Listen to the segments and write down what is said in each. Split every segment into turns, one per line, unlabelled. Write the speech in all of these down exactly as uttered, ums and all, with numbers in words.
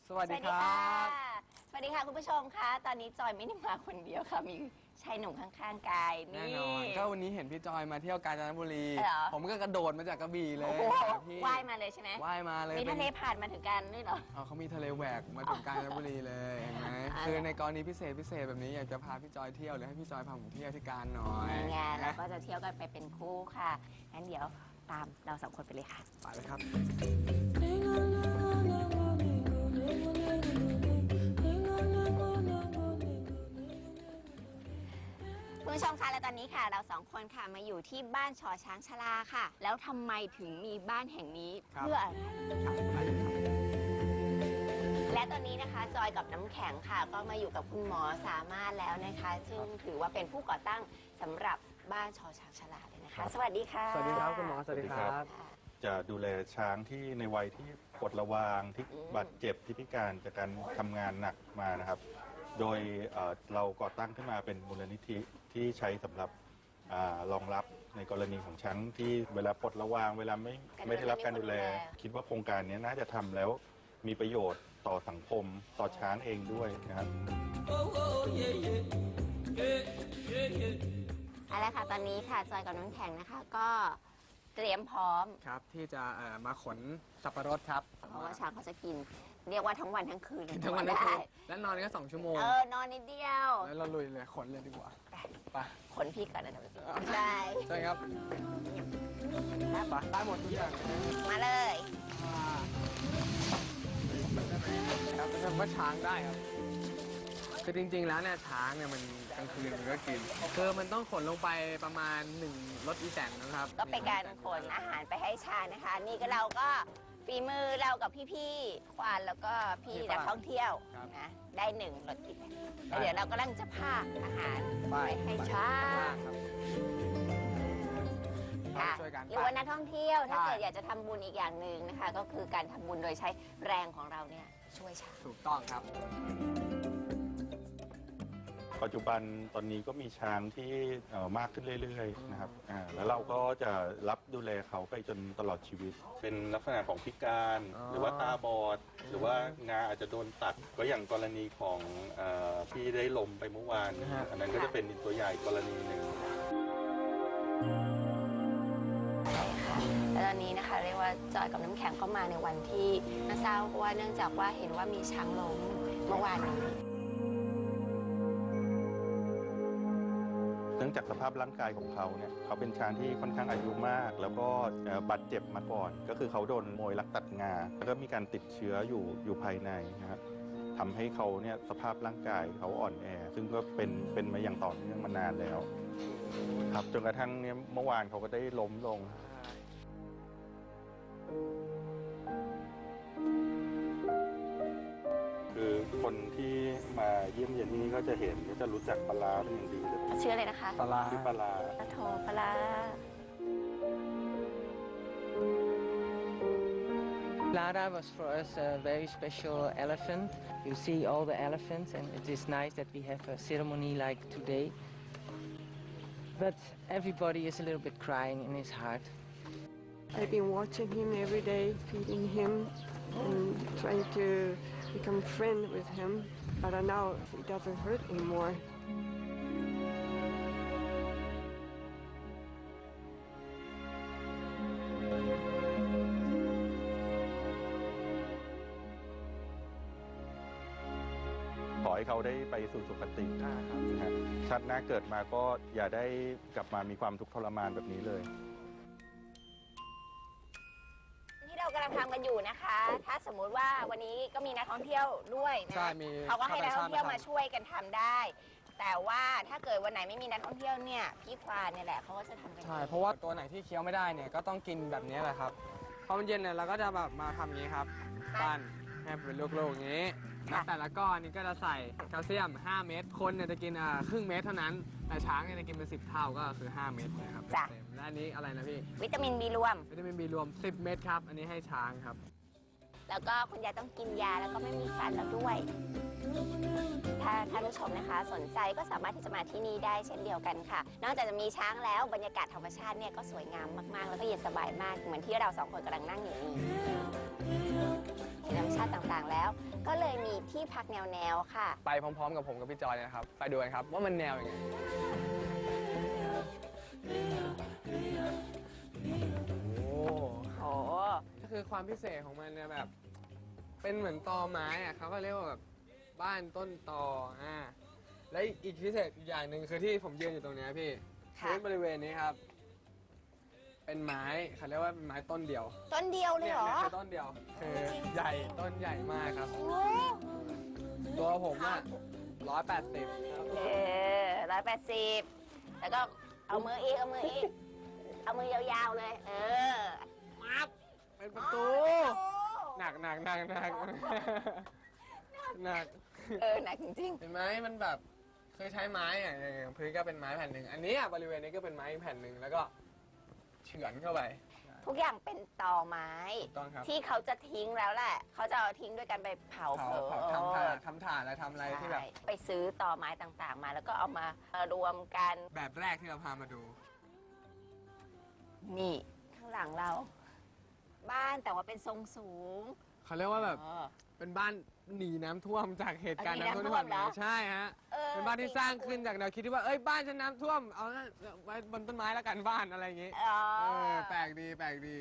สวัสดีครับ
สวัสดีค่ะคุณผู้ชมคะตอนนี้จอยไม่ได้มาคนเดียวค่ะมีชายหนุ่มข้างๆกายนี่
แน่นอนก็วันนี้เห็นพี่จอยมาเที่ยวกาญจนบุรีผมก็กระโดดมาจากกระบี่เลย
พี่ว่ายมาเลยใช่ไหม
ว่ายมาเลย
มีทะเลผ่านมาถึงกันด้วยเหรอ
อ๋อเขามีทะเลแหวกมาถึงกาญจนบุรีเลยเห็นไหมคือในกรณีพิเศษพิเศษแบบนี้อยากจะพาพี่จอยเที่ยวหรือให้พี่จอยพาผมเที่ยวที่กาญหน่อย
งานเราก็จะเที่ยวกันไปเป็นคู่ค่ะงั้นเดี๋ยวตามเราสองคนไปเลยค่ะ
ไปเลยครับ
คุณผู้ชมคะและตอนนี้ค่ะเราสองคนค่ะมาอยู่ที่บ้านชอช้างชลาค่ะแล้วทำไมถึงมีบ้านแห่งนี้เพื่ออะไรและตอนนี้นะคะจอยกับน้ำแข็งค่ะก็มาอยู่กับคุณหมอสามารถแล้วนะคะซึ่งถือว่าเป็นผู้ก่อตั้งสำหรับบ้านชอช้างชลาเลยนะคะสวัสดีค่ะ
สวัสดีครับคุณหมอสวัสดีครับ
จะดูแลช้างที่ในวัยที่ปวดระวางที่บาดเจ็บที่พิการจากการทำงานหนักมานะครับโดยเราก่อตั้งขึ้นมาเป็นมูลนิธิที่ใช้สำหรับรองรับในกรณีของช้างที่เวลาปลดระวางเวลาไม่ไม่ได้รับการดูแลคิดว่าโครงการนี้น่าจะทำแล้วมีประโยชน์ต่อสังคมต่อช้างเองด้วยนะครับ
เอาละค่ะตอนนี้ค่ะจอยกับน้ำแข็งนะคะก็เตรียมพร้อม
ครับที่จะมาขนสับปะรดครับ
เพราะว่าช้างเขาจะกินเรียกว่าทั้งวันทั้งคืน
ทั้งวันทั้งคืนแล้วนอนก็สองชั่วโมง
เออนอนนิดเดียว
แล้วเราลุยเลยขนเลยดีกว่าไป
ขนพี่ก่อนนะใช่
ใช่ครับไปได้หมดทุกอย่าง
มาเลย
ครับจะทำว่าช้างได้ครับคือจริงๆแล้วเนี่ยช้างเนี่ยมันกลางคืนมันก็กินคือมันต้องขนลงไปประมาณหนึ่งรถอีแตนนะครับ
ก็เป็นการขนอาหารไปให้ช้างนะคะนี่ก็เราก็ฝีมือเรากับพี่ๆควานแล้วก็พี่นักท่องเที่ยวนะได้หนึ่งรถอีแตนแล้วเดี๋ยวเรากำลังจะพาอาหารไปให้ช้างค่ะหรือว่านักท่องเที่ยวถ้าเกิดอยากจะทำบุญอีกอย่างหนึ่งนะคะก็คือการทำบุญโดยใช้แรงของเราเนี่ยช่วยช้าง
ถูกต้องครับ
ปัจจุบันตอนนี้ก็มีช้างที่มากขึ้นเรื่อยๆนะครับแล้วเราก็จะรับดูแลเขาไปจนตลอดชีวิตเป็นลักษณะของพิการหรือว่าตาบอดหรือว่างาอาจจะโดนตัดก็อย่างกรณีของที่ได้ล้มไปเมื่อวานอันนั้นก็จะเป็นตัวใหญ่กรณีหนึ่ง
และตอนนี้นะคะเรียกว่าจอยกับน้ำแข็งก็มาในวันที่น่าเศร้าเพราะว่าเนื่องจากว่าเห็นว่ามีช้างล้มเมื่อวานนี้
เนื่องจากสภาพร่างกายของเขาเนี่ยเขาเป็นช้างที่ค่อนข้างอายุมากแล้วก็บาดเจ็บมาก่อนก็คือเขาโดนมวยลักตัดงาแล้วก็มีการติดเชื้ออยู่อยู่ภายในนะครับทำให้เขาเนี่ยสภาพร่างกายเขาอ่อนแอซึ่งก็เป็นเป็นมาอย่างต่อเนื่องมานานแล้วครับจนกระทั่งเนี่ยเมื่อวานเขาก็ได้ล้มลงคือคนที่มาเยี่ยมเยียนที่นี่ก็จะเห็นก็จะรู้จักปลาเป็นอย่างดีเลย
ชื่ออะไรนะคะ
ปลา
ชื่อปลา
ปลาโถปลา
Lada was for us a very special elephant. You see all the elephants and it is nice that we have a ceremony like today. But everybody is a little bit crying in his heart.
I've been watching him every day, feeding him and trying to become friends with him, but now it doesn't hurt anymore.
ขอให้เขาได้ไปสู่สุคติชาติหน้าเกิดมาก็อย่าได้กลับมามีความทุกข์ทรมานแบบนี้เลย
ที่เรากำลังทำกันอยู่นะคะถ้าสมมุติว่าวันนี้ก็มีนักท่องเที่ยวด้วยนะเขาก็ให้นักท่องเที่ยวมาช่วยกันทำได้แต่ว่าถ้าเกิดวันไหนไม่มีนักท่องเที่ยวเนี่ยพี่ควานเนี่ยแหละเขาก็จะทำกัน
ใช่เพราะว่าตัวไหนที่เคี้ยวไม่ได้เนี่ยก็ต้องกินแบบนี้แหละครับพอมันเย็นเนี่ยเราก็จะแบบมาทำอย่างนี้ครับปั้นให้เป็นลูกๆอย่างนี้แล้วแต่ละก้อนนี้ก็จะใส่แคลเซียมห้าเม็ดคนเนี่ยจะกินครึ่งเม็ดเท่านั้นแต่ช้างเนี่ยจะกินเป็นสิบเท่าก็คือห้าเม็ดนะครับ
จ้ะ
และอันนี้อะไรนะพี่
วิตามินบีรวม
วิตามินบีรวมสิบเม็ดครับอันนี้ให้ช้างครับ
แล้วก็คุณยายต้องกินยาแล้วก็ไม่มีฟันแล้วด้วยถ้าท่านผู้ชมนะคะสนใจก็สามารถที่จะมาที่นี่ได้เช่นเดียวกันค่ะนอกจากจะมีช้างแล้วบรรยากาศธรรมชาติเนี่ยก็สวยงามมากๆแล้วก็เย็นสบายมากเหมือนที่เราสองคนกำลังนั่งอยู่นี่ธรรมชาติต่างๆแล้วก็เลยมีที่พักแนวๆค่ะ
ไปพร้อมๆ กับผมกับพี่จอยเนี่ยนะครับ ไปดูกันครับว่ามันแนวยังไง โอ้
โอ้
ก็คือความพิเศษของมันเนี่ยแบบ เป็นเหมือนตอไม้อะเขาก็เรียกว่าแบบบ้านต้นตออ่าและอีกพิเศษอีกอย่างหนึ่งคือที่ผมยืนอยู่ตรงเนี้ยพี่
ค่ะ
พื้นบริเวณนี้ครับ เป็นไม้เขาเรียกว่าเป็นไม้ต้นเดียว
ต้นเดียวเลย
เนี่ย
เหรอ
เนี่ยคือต้นเดียว คือใหญ่ต้นใหญ่มากครับ
โอ้
ตัวผมอะร้อยแปดสิบ
เออร้อยแปดสิบแล้วก็เอามืออีก เอามืออีก เอามือยาวๆเลย เออ
มับเป็นประตู หนักหนักหนักหนักหนัก
เออหนักจริง
เห็นไหมมันแบบเคยใช้ไม้อะอย่างพื้นก็เป็นไม้แผ่นหนึ่งอันนี้อะบริเวณนี้ก็เป็นไม้แผ่นหนึ่งแล้วก็เฉือนเข้าไป
ๆ ทุกอย่างเป็นตอไม้
ถูกต้องครับ
ที่เขาจะทิ้งแล้วแหละ เขาจะเอาทิ้งด้วยกันไปเผา
เผาเผาทำถ่านทำถ่านอะไรทำอะไรที่แบบ
ใช่ไปซื้อตอไม้ต่างๆ มาแล้วก็เอามารวมกัน
แบบแรกที่เราพามาดู
นี่ข้างหลังเรา บ้านแต่ว่าเป็นทรงสูง
เขาเรียกว่าแบบ
อ๋อ
เป็นบ้านหนีน้ำท่วมจากเหตุการณ์
หนี
น้ำท่วม
น้ำท่
ที่
วม
ผ่านมา
เหรอ
ใช่ฮะ
ออ
เป็นบ้านที่สร้างขึ้นจากแนวคิดที่ว่าเอ้ยบ้านฉันน้ำท่วมเอางั้นไว้บนต้นไม้แล้วกันบ้านอะไรอย่างงี้
อ๋อ
เออแปลกดีแปลกดี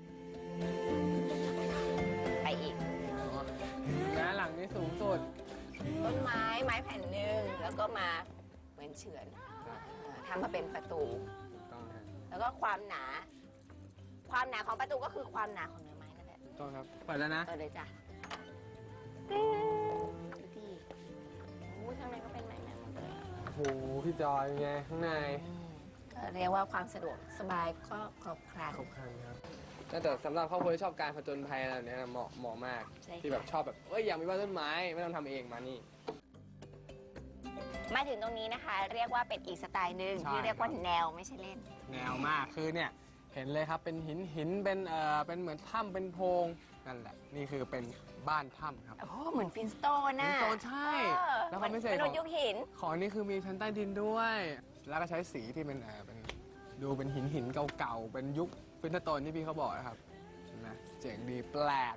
ไปอีก
นะหลังนี้สูงสุด
ต้นไม้ไม้แผ่นหนึ่งแล้วก็มาเหมือนเฉือนเออทำมาเป็นประตู
ถูกต้องฮะ
แล้วก็ความหนา ความหนาของประตูก็คือความหนาของเนื้อไม้นั่นแหละ
ถูกต้องครับเปิดแล้วนะ
เออเลยจ้ะดูดิโอ้ยข้างในก็เป็นไม้แม่หมดเลยอะ
โอ้โหพี่จอยเป็นไงข้างใน
อืมก็เรียกว่าความสะดวกสบายก็ครบครัน
ครบครันครับแต่สำหรับครอบครัวที่ชอบการผจญภัยอะไรแบบเนี้ยเหมาะเหมาะมาก
ใช่ค่ะ
ที่แบบชอบแบบเอ้ยอยากมีบ้านต้นไม้ไม่ต้องทำเองมานี่
มาถึงตรงนี้นะคะ เรียกว่าเป็นอีกสไตล์หนึ่ง
ใช่
ที่เรียกว่า
ครับ
แนวไม่ใช่เล่น
แนวมากคือเนี่ยเห็นเลยครับเป็นหินหินเป็นเอ่อเป็นเหมือนถ้ำเป็นโพรงนั่นแหละนี่คือเป็นบ้านถ้ำครับ
โอ้โหเหมือนฟินสโตนน่ะ
ฟินสโตนใช่
เออ
แล้วความพิเศษ
มนุษย์ยุคหิน
ของอันนี้คือมีชั้นใต้ดินด้วย แล้วก็ใช้สีที่เป็นเอ่อเป็นดูเป็นหินหินเก่าๆเป็นยุคฟินสโตนที่พี่เขาบอกนะครับเห็นไหมเจ๋งดีแปลก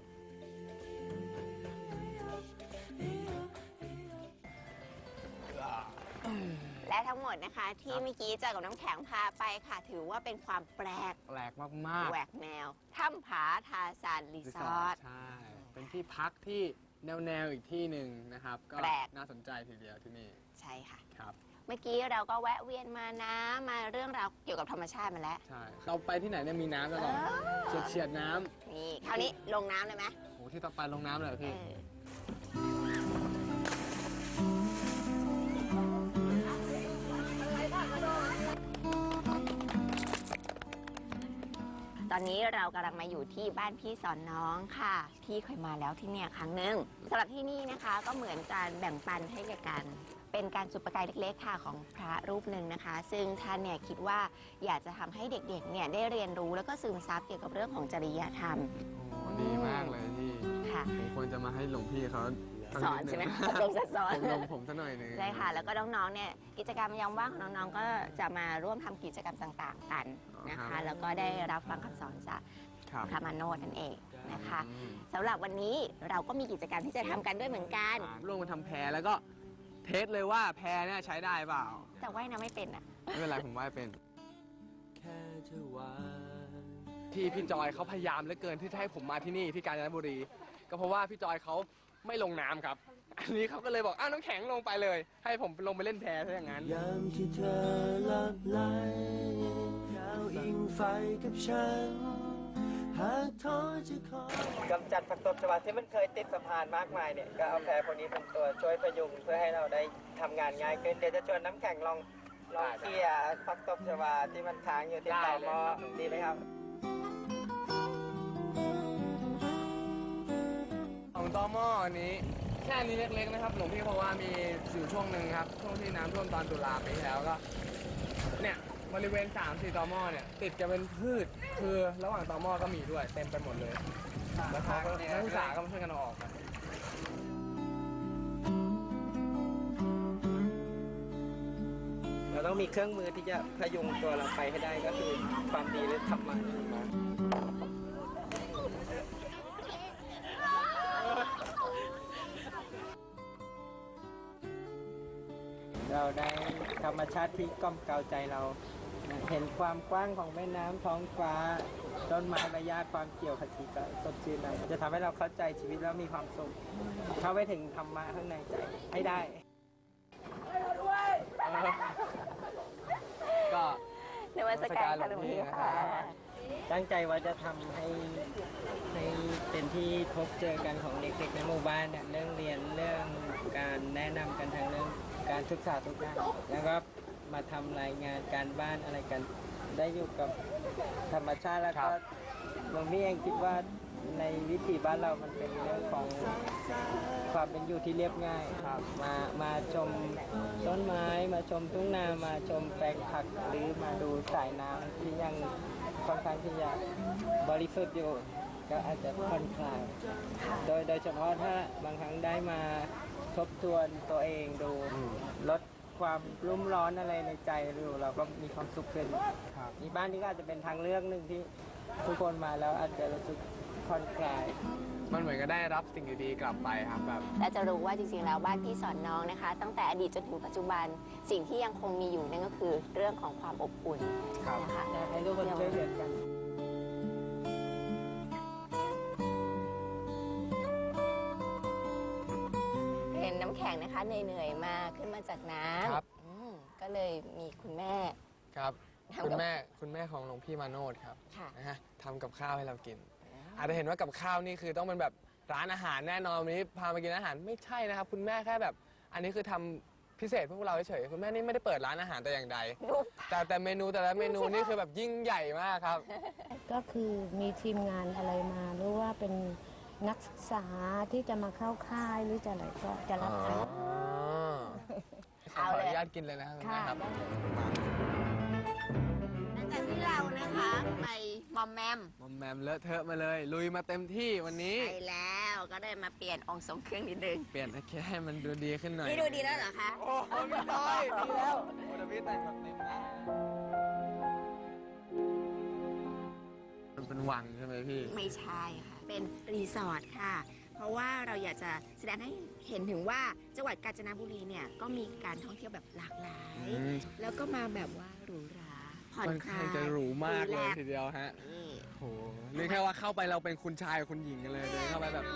และทั้งหมดนะคะ ที่เมื่อกี้เจอกับน้ำแข็งพาไปค่ะ ถือว่าเป็นความแปลก
แปลกมากๆ
แหวกแนวถ้ำผาทาซานรีสอร์ท
ใช่ เป็นที่พักที่แนวแนวๆอีกที่หนึ่งนะครับ ก็
แปลก
น่าสนใจทีเดียวที่นี่
ใช่ค่ะ
ครับ
เมื่อกี้เราก็แวะเวียนมานะมาเรื่องราวเกี่ยวกับธรรมชาติมาแล้ว
ใช่ เราไปที่ไหนเนี่ยมีน้ำตลอด
เออ
เฉียดเฉียดๆน้
นี่คราวนี้ลงน้ำเลยไหม
ำโหที่ต่อไปลงน้ำเลยเหรอ
เอ
พี่
อตอนนี้เรากำลังมาอยู่ที่บ้านพี่สอนน้องค่ะ พี่เคยมาแล้วที่เนี่ยครั้งหนึ่งสำหรับที่นี่นะคะ ก็เหมือนการแบ่งปันให้แก่กัน เป็นการจุดประกายเล็กๆค่ะของพระรูปหนึ่งนะคะ ซึ่งท่านเนี่ยคิดว่าอยากจะทำให้เด็กๆเนี่ยได้เรียนรู้แล้วก็ซึมซับเกี่ยวกับเรื่องของจริยธรรม
โอ้ดีมากเลยพี่
ค่ะ
ผมควรจะมาให้หลวงพี่เขา
สอนใช่ไหมอบรมสอน
ผมลงผมซะหน่อยหนึง
ใช่ค่ะ แล้วก็น้องๆ เนี่ยกิจกรรมยามว่างของน้องๆ ก็จะมาร่วมทำกิจกรรมต่างๆ กันนะคะ แล้วก็ได้รับฟังคำสอนจาก
ครับ
พระมาโนดนั่นเองนะคะ
อืม
สำหรับวันนี้เราก็มีกิจกรรมที่จะทำกันด้วยเหมือนกัน
ร่วมกันทำแพรแล้วก็เทสเลยว่าแพรเนี่ยใช้ได้เปล่า
แต่ว่ายน้ำไม่เป็นอ่ะ
ไม่เป็นไรผมว่ายเป็นที่พี่จอยเขาพยายามเหลือเกินที่จะให้ผมมาที่นี่ที่กาญจนบุรี ก็เพราะว่าพี่จอยเขาไม่ลงน้ำครับ อันนี้เขาก็เลยบอกอ้าวน้ำแข็งลงไปเลย ให้ผมลงไปเล่นแพซะอย่างนั้น
ยามที่เธอหลับไหลดาวอิงไฟกับฉัน หากท้อจะขอก
ำจัดผักตบชวาที่มันเคยติดสะพานมากมายเนี่ยก็เอาแพรพวกนี้เป็นตัวช่วยพยุงเพื่อให้เราได้ทำงานง่ายขึ้น เดี๋ยวจะชวนน้ำแข็งลองลองเคลียร์ผักตบชวาที่มันค้างอยู่ที่
ได้
ต่อ
เลย
หม้อดีไหมครับ
ของตอหม้ออันนี้แค่อันนี้เล็กๆนะครับหลวงพี่บอกว่ามีอยู่ช่วงหนึ่งครับช่วงที่น้ำท่วมตอนตุลาปีที่แล้วก็เนี่ยบริเวณสามสี่ตอหม้อเนี่ยติดกันเป็นพืชคือระหว่างตอหม้อก็มีด้วยเต็มไปหมดเลยแล้วเขาก็นักศึกษาก็มาช่วยกันเอาออกกัน
เราต้องมีเครื่องมือที่จะพยุงตัวเราไปให้ได้ก็คือความดีหรือธรรมะ
เ
เราได้ธรรมชาติที่กล่อมเกลาใจเรา เห็นความกว้างของแม่น้ำท้องฟ้า ต้นไม้ใบหญ้าความเขียวขจีก็สดชื่นเราจะทำให้เราเข้าใจชีวิตแล้วมีความสุขเข้าไปถึงธรรมะข้างในใจให้ได้
ก็
นมัสการค่ะหลวงพี่ค่ะ
ตั้งใจว่าจะทำให้ให้เป็นที่พบเจอกันของเด็กๆในหมู่บ้านเนี่ยเรื่องเรียนเรื่องการแนะนำกันทางเรื่องการศึกษาทุกด้านแล้วก็มาทำรายงานการบ้านอะไรกัน ได้อยู่กับธรรมชาติแล้วก็หลวงพี่เองคิดว่าในวิถีบ้านเรามันเป็นเรื่องของความเป็นอยู่ที่เรียบง่ายครับมามาชมต้นไม้มาชมทุ่งนามาชมแปลงผักหรือมาดูสายน้ำที่ยังค่อนข้างที่จะบริสุทธิ์อยู่ก็อาจจะผ่อนคลายโดยโดยเฉพาะถ้าบางครั้งได้มาทบทวนตัวเองดูลดความรุ่มร้อนอะไรในใจดูเราก็มีความสุขขึ้นมีบ้านนี้ก็อาจจะเป็นทางเลือกหนึ่งที่ทุกคนมาแล้วอาจจะรู้สึกผ่อนคลาย
มันเหมือนก็ได้รับสิ่งดีๆกลับไปครับแบบ
และจะรู้ว่าจริงๆแล้วบ้านพี่สอนน้องนะคะ ตั้งแต่อดีตจนถึงปัจจุบันสิ่งที่ยังคงมีอยู่นั่นก็คือเรื่องของความอบอุ่น
ครับ
นะคะ
อยากให้ทุกคนช่วยเหลือกัน
เห็นน้ำแข็งนะคะเหนื่อยๆมาขึ้นมาจากน้
ครับ
ำอืมก็เลยมีคุณแม่
ครับ
ทำกับ
คุณแม่คุณแม่ของหลวงพี่มาโนดครับ
ค่ะ
นะฮะทำกับข้าวให้เรากิน อาจจะเห็นว่ากับข้าวนี่คือต้องเป็นแบบร้านอาหารแน่นอนวันนี้พามากินอาหารไม่ใช่นะครับ คุณแม่แค่แบบ อันนี้คือทำพิเศษเพื่อพวกเราเฉยๆคุณแม่นี่ไม่ได้เปิดร้านอาหารแต่อย่างใด
ดู
แต่แต่เมนูแต่ละเมนูนี่คือแบบยิ่งใหญ่มากครับ
ก็คือมีทีมงานอะไรมาหรือว่าเป็นนักศึกษาที่จะมาเข้าค่ายหรือจะอะไรก็จะรับทาน
ขออนุญาตกินเลยนะครับคุณแม่ครับ
หลังจากที่เรานะคะไปมอมแมม
มอมแมมเลอะเทอะมาเลย ลุยมาเต็มที่วันนี้
ไปแล้วก็ได้มาเปลี่ยนองค์ทรงเครื่องนิดนึง
เปลี่ยนแค่ให้มันดูดีขึ้นหน่อย
นี่ดูดีแล้วเหรอคะ
โอ้โหไม่ได้ดีแล้วโอ้เดวิดแต่งแบบเต็มมันเป็นวังใช่ไหมพี่
ไม่ใช่ค่ะ เป็นรีสอร์ทค่ะ เพราะว่าเราอยากจะแสดงให้เห็นถึงว่าจังหวัดกาญจนบุรีเนี่ยก็มีการท่องเที่ยวแบบหลากหลาย
อืม
แล้วก็มาแบบว่าหรูหราผ่อน
ค่อน
คลา
ข้าง
ย
จะหรูมากเลย
รีแกซ์
ทีเดียวฮะ
นี่
โหนี่แค่ว่าเข้าไปเราเป็นคุณชายกับคุณหญิงกันเลยเดินเข้าไปแบบ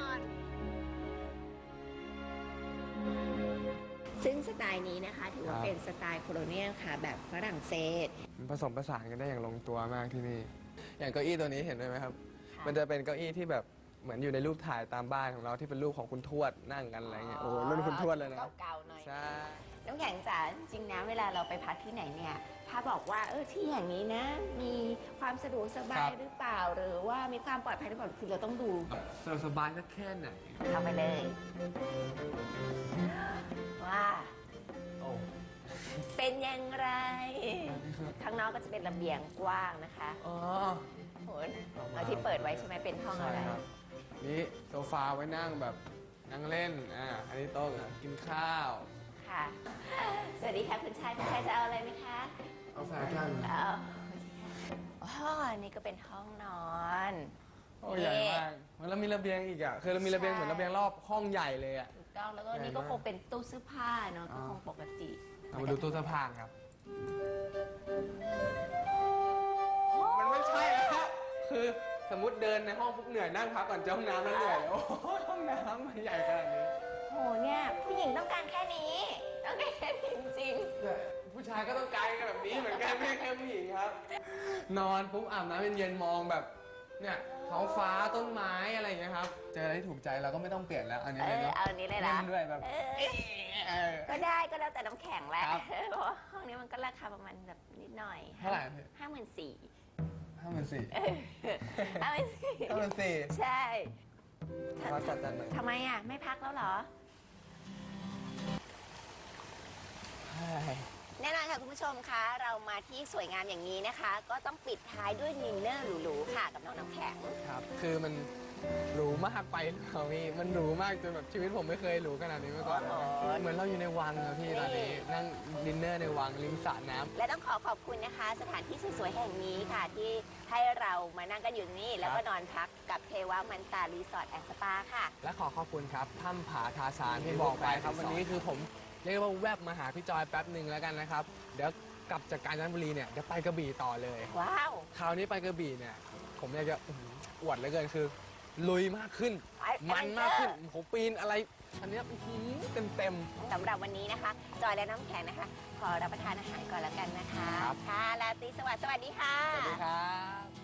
ซึ่งสไตล์นี้นะคะถือว่า
ครับ
เป็นสไตล์โคโลเนียลค่ะแบบฝรั่งเศส
มันผสมผสานกันได้อย่างลงตัวมากที่นี่ อย่างเก้าอี้ตัวนี้เห็นด้วยไหมครับ มันจะเป็นเก้าอี้ที่แบบเหมือนอยู่ในรูปถ่ายตามบ้านของเราที่เป็นรูปของคุณทวดนั่งกันอะไรเงี้ย โอ้โหรุ่นคุณทวดเลยนะ
เก่าๆหน่อย
ใช่
น้ำแข็งจ๋าจริงๆนะเวลาเราไปพักที่ไหนเนี่ย ถ้าบอกว่าเออที่อย่างนี้นะ มีความสะดวกสบายหรือเปล่า หรือว่ามีความปลอดภัยหรือเปล่าคือเราต้องดู
สบายสบายสักแค่ไหน
เข้าไปเลย ว่า
โอ้
เป็นอย่างไร ข้างนอกก็จะเป็นระเบียงกว้างนะคะ
อ๋อ
โหเอาที่เปิดไว้ใช่ไหมเป็นห้อง
ใช่
อะไร
ครับ นี่โซฟาไว้นั่งแบบนั่งเล่น อ่า อันนี้โต๊ะกินข้าว
ค่ะ สวัสดีค่ะคุณชายคุณชายจะเอาอะไรไหมคะ
เอาแฟชั่น
เอาอ๋อนี่ก็เป็นห้องนอน
โอ้ใหญ่มากมันแล้วมีระเบียงอีกอ่ะ คือเรามีระเบียงเหมือนระเบียงรอบห้องใหญ่เลยอ่ะ
ถูกต้องแล้วก็
ใหญ่
นี่ก็
มาก
คงเป็นตู้เสื้อผ้าเนาะก็
อ๋อ
คงปกติ
เอามาดูตู้เสื้อผ้าครับ มันไม่ใช่แล้ว คือสมมติเดินในห้องปุ๊บเหนื่อยนั่งพักก่อนจะห้องน้ำแล้วเหนื่อย โอ้โหห้องน้ำมันใหญ่ขนาดนี้
โหเนี่ยผู้หญิงต้องการแค่นี้ ต้องการแค่นี้จริง
แต่ผู้ชายก็ต้องการกันแบบนี้เหมือนกันไม่ใช่แค่ผู้หญิงครับ นอนปุ๊บอาบน้ำเย็นๆมองแบบ เนี่ยท้องฟ้าต้นไม้อะไรอย่างเงี้ยครับ เจออะไรที่ถูกใจเราก็ไม่ต้องเปลี่ยนแล้ว อัน
ๆ
นี้
เอ
เลย
อ
เนาะ
เอาอันนี้เลย
เล่
ละ
นด้วยแบบ
เออ
เออ
ก็ได้ก็แล้วแต่น้ำแข็งแหละ
ครับ
เพราะว่าห้องนี้มันก็ราคาประมาณแบบนิดหน่อย
เท่าไหร่พี่
ห้าหมื่นสี่
ห้าหมื่นสี่
ห้าหมื่นสี่
ห้าหมื่นสี่
ใช่
เราจัดจัดหน่อย
ทำไมอ่ะ ไม่พักแล้วเหรอ
ใช่
แน่นอนค่ะคุณผู้ชมคะ เรามาที่สวยงามอย่างนี้นะคะ ก็ต้องปิดท้ายด้วยดินเนอร์หรูๆค่ะกับน้องน้ำแข็ง
ครับ คือมันหรูมากไปหรือเปล่าพี่ มันหรูมากจนแบบชีวิตผมไม่เคยหรูขนาดนี้มาก่อน
โอ้โห
เหมือนเราอยู่ในวังครับพี่ตอนนี้ นั่งดินเนอร์ในวังริมสระน้ำ
และต้องขอขอบคุณนะคะ สถานที่สวยๆแห่งนี้ค่ะ ที่ให้เรามานั่งกันอยู่ตรงนี้ แล้วก็นอนพักกับเทวามันตารีสอร์ทแอนด์สปาค่ะ
และขอขอบคุณครับถ้ำผาทาซานที่บอกไปครับวันนี้คือผมเรียกว่าแวบมาหาพี่จอยแป๊บหนึ่งแล้วกันนะครับ เดี๋ยวกลับจากกาญจนบุรีเนี่ยเดี๋ยวไปกระบี่ต่อเลย
ว้าว
คราวนี้ไปกระบี่เนี่ยผมอยากจะอื้อหืออวดเหลือเกินคือ ลุยมากขึ้น มันมากขึ้นผมปีนอะไร อันเนี้ยเต็มเต็ม
สำหรับวันนี้นะคะ จอยและน้ำแข็งนะคะ ขอรับประทานอาหารก่อนแล้วกันนะคะ
ครับ
ค่ะราตรีสวัสดิ์สวัสดีค่ะ
ๆสวัสดีครับ